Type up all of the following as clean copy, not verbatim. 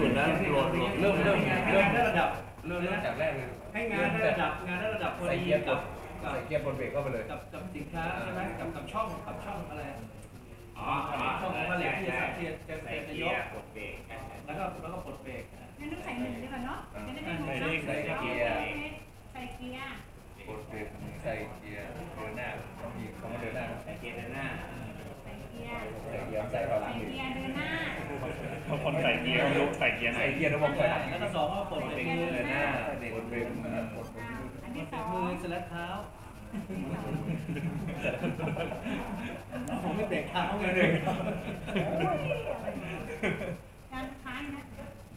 นะโหลดเริ่มได้ระดับจากแรกเลยให้งานได้ระดับพอดีกับใส่เกียร์บนเบรกเข้าไปเลยกับสินค้าใช่ไหมกับช่องอะไรช่องผลิตที่จะเตรียมจะยกกดเบรกแล้วก็ปลดเบรกงั้นต้องใส่หนึ่งดีกว่าเนาะจะได้ไม่หมดใส่เกียร์ใส่เกียร์กดเบรกใส่เกียร์เดินหน้าต้องมีคำว่าเดินหน้าใส่เกียร์เดินหน้าใส่เกียร์ใส่เกียร์ใส่หลังเกียร์เดินหน้าคนใส่เกียร์ลุกใส่เกียร์ไหนใส่เกียร์ระบบใส่หลังแล้วก็สองก็ปลดเบรกมือเดินหน้ากดเบรกกดอันที่สองมือสลัดเท้าผมไม่เบรกเท้าไงเลยการค้านนะ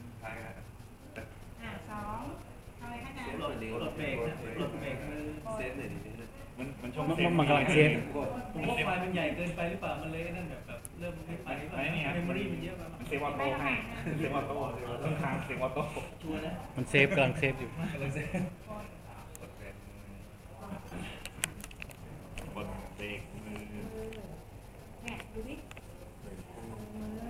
สองอะไรคะจ๊ะปลดเบรกปลดเบรกมือเซฟเลยดิมันช่วงมันกำลังเซฟผมว่าไฟมันใหญ่เกินไปหรือเปล่ามันเลยนั่นแบบเริ่มไม่ไปเมมโมรี่มันเยอะไปมันเซฟออโต้ให้เซฟออโต้เครื่องทางเซฟออโต้ชัวร์นะมันเซฟกำลังเซฟอยู่กำลังเซฟกดเบรกมือเนี่ยดูดิมือ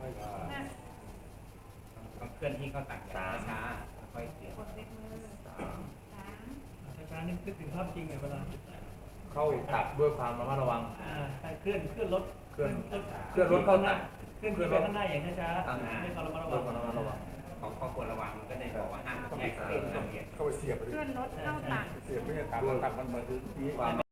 ต้องเคลื่อนที่เข้าตัดช้าค่อยเสียกดเล็กมือสามช้าๆนี่นึกถึงภาพจริงเลยเวลาเข้าตัดด้วยความระมัดระวังเคลื่อนรถเคลื่อนรถเข้าตัดเคลื่อนไปข้างหน้าอย่างช้าๆให้เขาระมัดระวังของข้อควรระวังก็ได้บอกว่าห้ามแยกเส้นละเอียดเข้าไปเสียบเคลื่อนรถเข้าตัดเสียบไม่ใช่ตัดมันมาคือ